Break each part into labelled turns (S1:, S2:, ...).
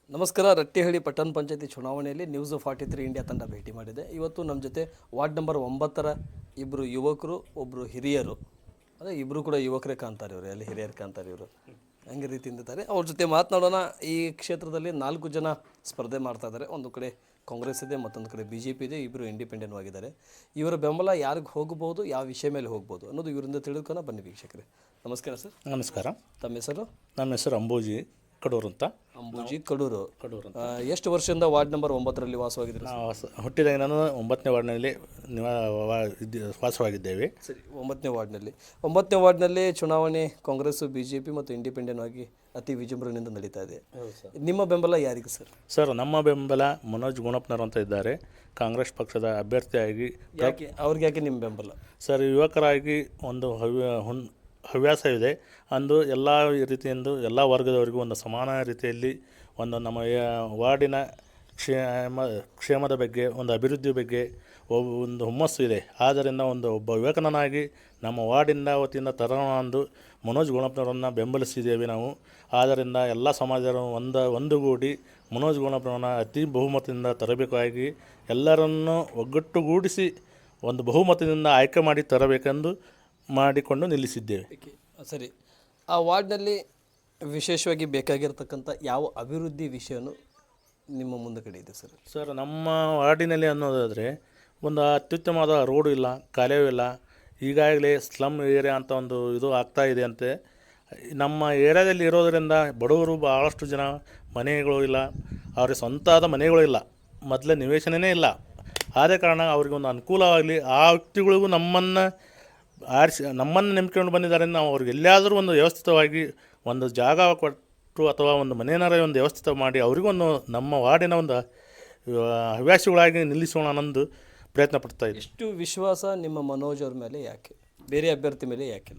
S1: ನಮಸ್ಕಾರ. ರಟ್ಟಿಹಳ್ಳಿ ಪಟ್ಟಣ ಪಂಚಾಯತಿ ಚುನಾವಣೆಯಲ್ಲಿ ನ್ಯೂಸ್ 43 ಇಂಡಿಯಾ ತಂಡ ಭೇಟಿ ಮಾಡಿದೆ. ಇವತ್ತು ನಮ್ಮ ಜೊತೆ ವಾರ್ಡ್ ನಂಬರ್ 9ರ ಇಬ್ಬರು ಯುವಕರು, ಒಬ್ಬರು ಹಿರಿಯರು, ಅದೇ ಇಬ್ಬರು ಕೂಡ ಯುವಕರೇ ಕಾಣ್ತಾರೆ, ಇವರು ಅಲ್ಲಿ ಹಿರಿಯರು ಕಾಣ್ತಾರೆ, ಇವರು ಹಂಗೆ ರೀತಿಯಿಂದ ಇದ್ದಾರೆ. ಅವ್ರ ಜೊತೆ ಮಾತನಾಡೋಣ. ಈ ಕ್ಷೇತ್ರದಲ್ಲಿ 4 ಜನ ಸ್ಪರ್ಧೆ ಮಾಡ್ತಾ ಇದ್ದಾರೆ. ಒಂದು ಕಡೆ ಕಾಂಗ್ರೆಸ್ ಇದೆ, ಮತ್ತೊಂದು ಕಡೆ BJP ಇದೆ, ಇಬ್ಬರು ಇಂಡಿಪೆಂಡೆಂಟ್ ಆಗಿದ್ದಾರೆ. ಇವರ ಬೆಂಬಲ ಯಾರಿಗೆ ಹೋಗ್ಬೋದು, ಯಾವ ವಿಷಯ ಮೇಲೆ ಹೋಗ್ಬೋದು ಅನ್ನೋದು ಇವರಿಂದ ತಿಳ್ಕೊನ ಬನ್ನಿ ವೀಕ್ಷಕರೇ. ನಮಸ್ಕಾರ ಸರ್.
S2: ನಮಸ್ಕಾರ.
S1: ತಮ್ಮ ಹೆಸರು?
S2: ನಮ್ಮ ಹೆಸರು ಅಂಬೂಜಿ ಕಡೂರು ಅಂತ.
S1: ಅಂಬೂಜಿ ಕಡೂರು. ಎಷ್ಟು ವರ್ಷದಿಂದ ವಾರ್ಡ್ ನಂಬರ್ 9ರಲ್ಲಿ ವಾಸವಾಗಿದ್ದೀರಿ?
S2: ನಾವು ಹುಟ್ಟಿದಾಗ ನಾನು 9ನೇ ವಾರ್ಡ್ನಲ್ಲಿ ವಾಸವಾಗಿದ್ದೇವೆ.
S1: ಸರಿ, 9ನೇ ವಾರ್ಡ್ನಲ್ಲಿ ಚುನಾವಣೆ ಕಾಂಗ್ರೆಸ್, BJP ಮತ್ತು ಇಂಡಿಪೆಂಡೆಂಟ್ ಆಗಿ ಅತಿ ವಿಜೃಂಭಣೆಯಿಂದ ನಡೀತಾ ಇದೆ. ನಿಮ್ಮ ಬೆಂಬಲ ಯಾರಿಗೆ ಸರ್?
S2: ಸರ್, ನಮ್ಮ ಬೆಂಬಲ ಮನೋಜ್ ಗುಣಪ್ಪನವರು ಅಂತ ಇದ್ದಾರೆ, ಕಾಂಗ್ರೆಸ್ ಪಕ್ಷದ ಅಭ್ಯರ್ಥಿಯಾಗಿ.
S1: ಅವ್ರಿಗೆ ನಿಮ್ಮ ಬೆಂಬಲ?
S2: ಸರ್, ಯುವಕರಾಗಿ ಒಂದು ಹವ್ಯಾಸ ಇದೆ. ಅಂದು ಎಲ್ಲ ರೀತಿಯಿಂದ ಎಲ್ಲ ವರ್ಗದವರಿಗೂ ಒಂದು ಸಮಾನ ರೀತಿಯಲ್ಲಿ ಒಂದು ನಮ್ಮ ವಾರ್ಡಿನ ಕ್ಷೇಮದ ಬಗ್ಗೆ, ಒಂದು ಅಭಿವೃದ್ಧಿ ಬಗ್ಗೆ ಒಂದು ಹುಮ್ಮಸ್ಸು ಇದೆ. ಆದ್ದರಿಂದ ಒಬ್ಬ ಯುವಕನಾಗಿ ನಮ್ಮ ವಾರ್ಡಿನ ವತಿಯಿಂದ ತರೋಣ ಅಂದು ಮನೋಜ್ ಗುಣಪ್ಪನವರನ್ನು ಬೆಂಬಲಿಸಿದ್ದೇವೆ ನಾವು. ಆದ್ದರಿಂದ ಎಲ್ಲ ಸಮಾಜರು ಒಂದುಗೂಡಿ ಮನೋಜ್ ಗುಣಪ್ಪನವರನ್ನು ಅತಿ ಬಹುಮತದಿಂದ ತರಬೇಕಾಗಿ ಎಲ್ಲರನ್ನೂ ಒಗ್ಗಟ್ಟುಗೂಡಿಸಿ ಒಂದು ಬಹುಮತದಿಂದ ಆಯ್ಕೆ ಮಾಡಿ ತರಬೇಕೆಂದು ಮಾಡಿಕೊಂಡು ನಿಲ್ಲಿಸಿದ್ದೇವೆ.
S1: ಸರಿ, ಆ ವಾರ್ಡ್ನಲ್ಲಿ ವಿಶೇಷವಾಗಿ ಬೇಕಾಗಿರ್ತಕ್ಕಂಥ ಯಾವ ಅಭಿವೃದ್ಧಿ ವಿಷಯನೂ ನಿಮ್ಮ ಮುಂದೆ ಕಡೆ ಇದೆ ಸರ್?
S2: ಸರ್, ನಮ್ಮ ವಾರ್ಡಿನಲ್ಲಿ ಅನ್ನೋದಾದರೆ ಒಂದು ಅತ್ಯುತ್ತಮವಾದ ರೋಡು ಇಲ್ಲ, ಕಾಲೇವೂ ಇಲ್ಲ. ಈಗಾಗಲೇ ಸ್ಲಮ್ ಏರಿಯಾ ಅಂತ ಒಂದು ಇದು ಆಗ್ತಾ ಇದೆ ಅಂತೆ. ನಮ್ಮ ಏರಿಯಾದಲ್ಲಿ ಇರೋದರಿಂದ ಬಡವರು ಭಾಳಷ್ಟು ಜನ ಮನೆಗಳು ಇಲ್ಲ, ಅವ್ರಿಗೆ ಸ್ವಂತಾದ ಮನೆಗಳು ಇಲ್ಲ, ಮೊದಲೇ ನಿವೇಶನವೇ ಇಲ್ಲ. ಆದ ಕಾರಣ ಅವ್ರಿಗೊಂದು ಅನುಕೂಲವಾಗಲಿ, ಆ ವ್ಯಕ್ತಿಗಳಿಗೂ ನಮ್ಮನ್ನು ನಂಬ್ಕೊಂಡು ಬಂದಿದ್ದಾರೆ. ನಾವು ಅವ್ರಿಗೆ ಎಲ್ಲಿಯಾದರೂ ಒಂದು ವ್ಯವಸ್ಥಿತವಾಗಿ ಒಂದು ಜಾಗ ಕೊಟ್ಟು ಅಥವಾ ಒಂದು ಮನೆಯನ್ನಾರ ಒಂದು ವ್ಯವಸ್ಥಿತ ಮಾಡಿ ಅವರಿಗೊಂದು ನಮ್ಮ ವಾರ್ಡಿನ ಒಂದು ಹವ್ಯಾಸಿಗಳಾಗಿ ನಿಲ್ಲಿಸೋಣ ಅನ್ನೊಂದು ಪ್ರಯತ್ನ ಪಡ್ತಾ ಇದ್ದೀವಿ.
S1: ಎಷ್ಟು ವಿಶ್ವಾಸ ನಿಮ್ಮ ಮನೋಜ್ ಅವ್ರ ಮೇಲೆ? ಯಾಕೆ ಬೇರೆ ಅಭ್ಯರ್ಥಿ ಮೇಲೆ ಯಾಕಿಲ್ಲ?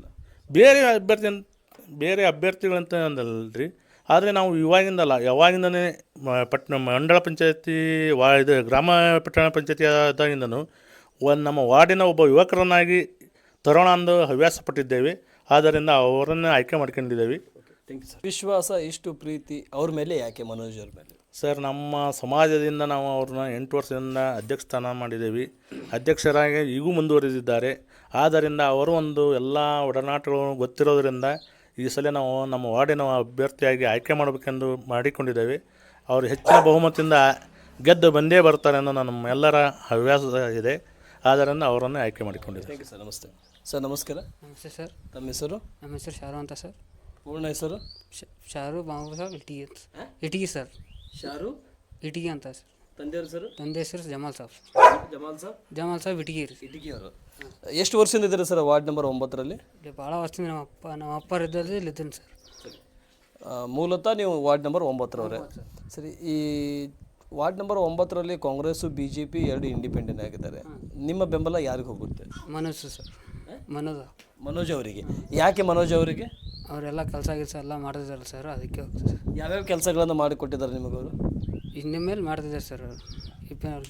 S2: ಬೇರೆ ಅಭ್ಯರ್ಥಿಗಳಂತ ಅಂದಲ್ರಿ, ಆದರೆ ನಾವು ಯಾವಾಗಿಂದನೇ ಮಂಡಳ ಪಂಚಾಯತಿ ಇದು ಗ್ರಾಮ ಪಟ್ಟಣ ಪಂಚಾಯತಿ ಆದಾಗಿಂದನೂ ನಮ್ಮ ವಾರ್ಡಿನ ಒಬ್ಬ ಯುವಕರನ್ನಾಗಿ ತರೋಣ ಅಂದು ಹವ್ಯಾಸ ಪಟ್ಟಿದ್ದೇವೆ. ಆದ್ದರಿಂದ ಅವರನ್ನು ಆಯ್ಕೆ ಮಾಡ್ಕೊಂಡಿದ್ದೇವೆ.
S1: ವಿಶ್ವಾಸ, ಇಷ್ಟು ಪ್ರೀತಿ ಅವ್ರ ಮೇಲೆ ಯಾಕೆ ಮನೋಜ್ ಅವ್ರ ಮೇಲೆ?
S2: ಸರ್, ನಮ್ಮ ಸಮಾಜದಿಂದ ನಾವು ಅವ್ರನ್ನ 8 ವರ್ಷದಿಂದ ಅಧ್ಯಕ್ಷ ಸ್ಥಾನ ಮಾಡಿದ್ದೇವೆ. ಅಧ್ಯಕ್ಷರಾಗಿ ಈಗೂ ಮುಂದುವರೆದಿದ್ದಾರೆ. ಆದ್ದರಿಂದ ಅವರು ಒಂದು ಎಲ್ಲ ಒಡನಾಟಗಳು ಗೊತ್ತಿರೋದರಿಂದ ಈ ಸಲ ನಾವು ನಮ್ಮ ವಾರ್ಡಿನ ಅಭ್ಯರ್ಥಿಯಾಗಿ ಆಯ್ಕೆ ಮಾಡಬೇಕೆಂದು ಮಾಡಿಕೊಂಡಿದ್ದೇವೆ. ಅವರು ಹೆಚ್ಚಿನ ಬಹುಮತದಿಂದ ಗೆದ್ದು ಬಂದೇ ಬರ್ತಾರೆ ಅನ್ನೋ ನಮ್ಮ ಎಲ್ಲರ ಹವ್ಯಾಸ ಇದೆ. ಆದ್ದರಿಂದ ಅವರನ್ನು ಆಯ್ಕೆ ಮಾಡಿಕೊಂಡಿದ್ದೇವೆ.
S1: Thank you sir. ನಮಸ್ತೆ ಸರ್. ನಮಸ್ಕಾರ.
S3: ನಮಸ್ತೆ ಸರ್.
S1: ತಮ್ಮ ಹೆಸರು?
S3: ನಮ್ಮ ಹೆಸರು ಶಾರು ಅಂತ ಸರ್.
S1: ಪೂರ್ಣ ಹೆಸರು?
S3: ಶಾರು ಬಾಬು ಸಾಬ್ ಇಟಗಿ ಸರ್.
S1: ಶಾರು
S3: ಇಟಗಿ ಅಂತ ಸರ್.
S1: ತಂದೆಯವ್ರ ಸರ್?
S3: ತಂದೆ ಹೆಸರು ಜಮಾಲ್ ಸಾಬ್ ಇಟಗಿ ರೀ.
S1: ಇಟಗಿ ಅವರು. ಎಷ್ಟು ವರ್ಷದಿಂದ ಇದ್ದಾರೆ ಸರ್ ವಾರ್ಡ್ ನಂಬರ್ 9ರಲ್ಲಿ?
S3: ಭಾಳ ವರ್ಷದಿಂದ ನಮ್ಮ ಅಪ್ಪರು ಇದ್ದಲ್ಲಿ ಇಲ್ಲಿದ್ದೀನಿ ಸರ್.
S1: ಮೂಲತಃ ನೀವು ವಾರ್ಡ್ ನಂಬರ್ 9ರವರೇ. ಸರಿ, ಈ ವಾರ್ಡ್ ನಂಬರ್ 9ರಲ್ಲಿ ಕಾಂಗ್ರೆಸ್ಸು, BJP ಎರಡು ಇಂಡಿಪೆಂಡೆಂಟ್ ಆಗಿದ್ದಾರೆ. ನಿಮ್ಮ ಬೆಂಬಲ ಯಾರಿಗೆ ಹೋಗುತ್ತೆ?
S3: ಮನೋಜ್ ಸರ್.
S1: ಮನೋಜ್ ಅವರಿಗೆ. ಯಾಕೆ ಮನೋಜ್ ಅವರಿಗೆ?
S3: ಅವರೆಲ್ಲ ಕೆಲಸ ಎಲ್ಲ ಮಾಡ್ತಿದ್ದಾರೆ ಸರ್, ಅದಕ್ಕೆ ಹೋಗ್ತದೆ ಸರ್.
S1: ಯಾವ್ಯಾವ ಕೆಲಸಗಳನ್ನು ಮಾಡಿಕೊಟ್ಟಿದ್ದಾರೆ ನಿಮಗವರು?
S3: ಇನ್ನು ಮೇಲೆ ಮಾಡ್ತಿದ್ದಾರೆ ಸರ್.